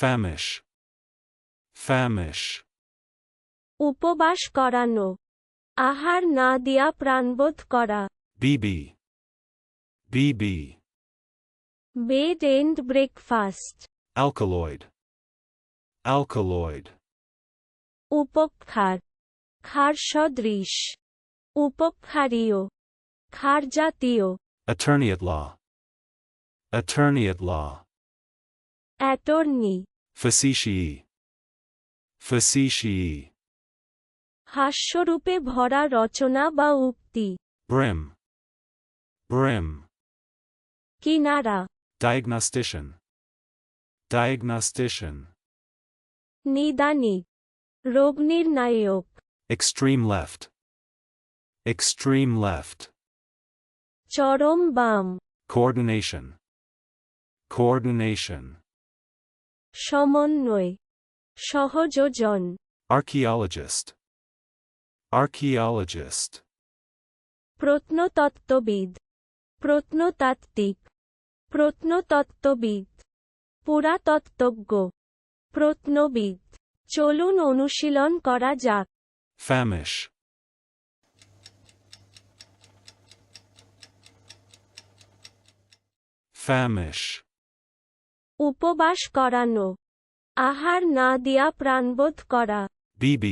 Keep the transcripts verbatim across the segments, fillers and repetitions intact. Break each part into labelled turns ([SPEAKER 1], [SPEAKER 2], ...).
[SPEAKER 1] Famish. Famish.
[SPEAKER 2] উপবাস করানো, আহার না দিয়া প্রাণবোধ করা।
[SPEAKER 1] B B. B B.
[SPEAKER 2] Bed and breakfast.
[SPEAKER 1] Alkaloid. Alkaloid.
[SPEAKER 2] উপক্ষার, ক্ষার সদৃশ, উপক্ষারীয়, ক্ষারজাতীয়।
[SPEAKER 1] Attorney at law. Attorney at law.
[SPEAKER 2] Attorney,
[SPEAKER 1] Facetiae. Facetiae.
[SPEAKER 2] হাস্যরূপে ভরা রচনা বা উক্তি।
[SPEAKER 1] Brim. Brim.
[SPEAKER 2] কিনারা,
[SPEAKER 1] Diagnostician. Diagnostician.
[SPEAKER 2] নিদানিক, রোগনির্ণায়ক।
[SPEAKER 1] Extreme left. Extreme left.
[SPEAKER 2] চরম বাম,
[SPEAKER 1] Coordination. Coordination.
[SPEAKER 2] সমন্বয়, সহযোজন।
[SPEAKER 1] Archaeologist. Archaeologist.
[SPEAKER 2] প্রত্নতত্ত্ববিদ, প্রত্নতাত্ত্বিক, প্রত্নতত্ত্ববিদ, পুরাতত্ত্বজ্ঞ, প্রত্নবিদ। চলুন অনুশীলন করা যাক।
[SPEAKER 1] Famish. Famish.
[SPEAKER 2] উপবাস করানো, আহার না দিয়া প্রাণবোধ করা।
[SPEAKER 1] B B.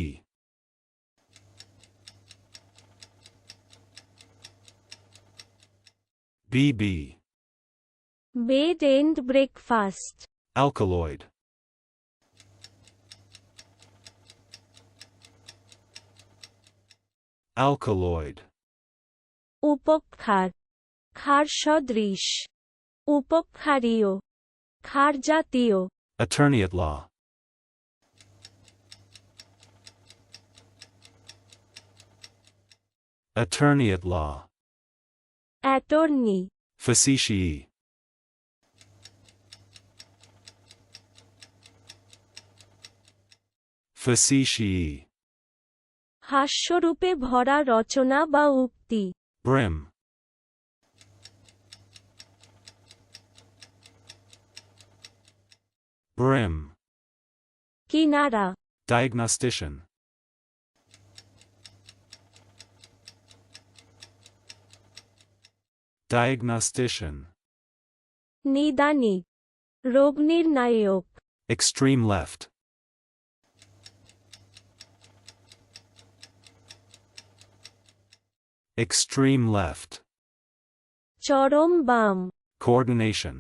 [SPEAKER 1] B B.
[SPEAKER 2] Bed and breakfast.
[SPEAKER 1] Alkaloid. Alkaloid.
[SPEAKER 2] উপক্ষার, ক্ষার সদৃশ, উপক্ষারীয়, ক্ষারজাতীয়।
[SPEAKER 1] Attorney at law. Attorney at law.
[SPEAKER 2] Attorney,
[SPEAKER 1] Facetiae. Facetiae.
[SPEAKER 2] হাস্যরূপে ভরা রচনা বা উক্তি।
[SPEAKER 1] Brim. Brim.
[SPEAKER 2] কিনারা,
[SPEAKER 1] Diagnostician. Diagnostician.
[SPEAKER 2] নিদানিক, রোগনির্ণায়ক।
[SPEAKER 1] Extreme left. Extreme left.
[SPEAKER 2] চরম বাম,
[SPEAKER 1] Coordination.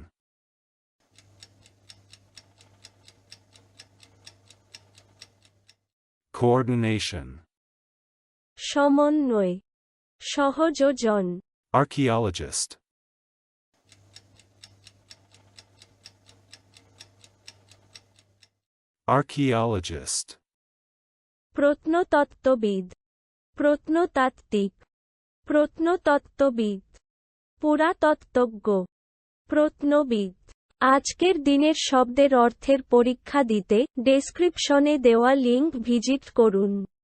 [SPEAKER 1] Coordination.
[SPEAKER 2] সমন্বয়, সহযোজন।
[SPEAKER 1] Archaeologist. Archaeologist.
[SPEAKER 2] প্রত্নতত্ত্ববিদ, প্রত্নতাত্ত্বিক, প্রত্নতত্ত্ববিদ, পুরাতত্ত্বজ্ঞ, প্রত্নবিদ। আজকের দিনের শব্দের অর্থের পরীক্ষা দিতে ডেসক্রিপশনে দেওয়া লিংক ভিজিট করুন।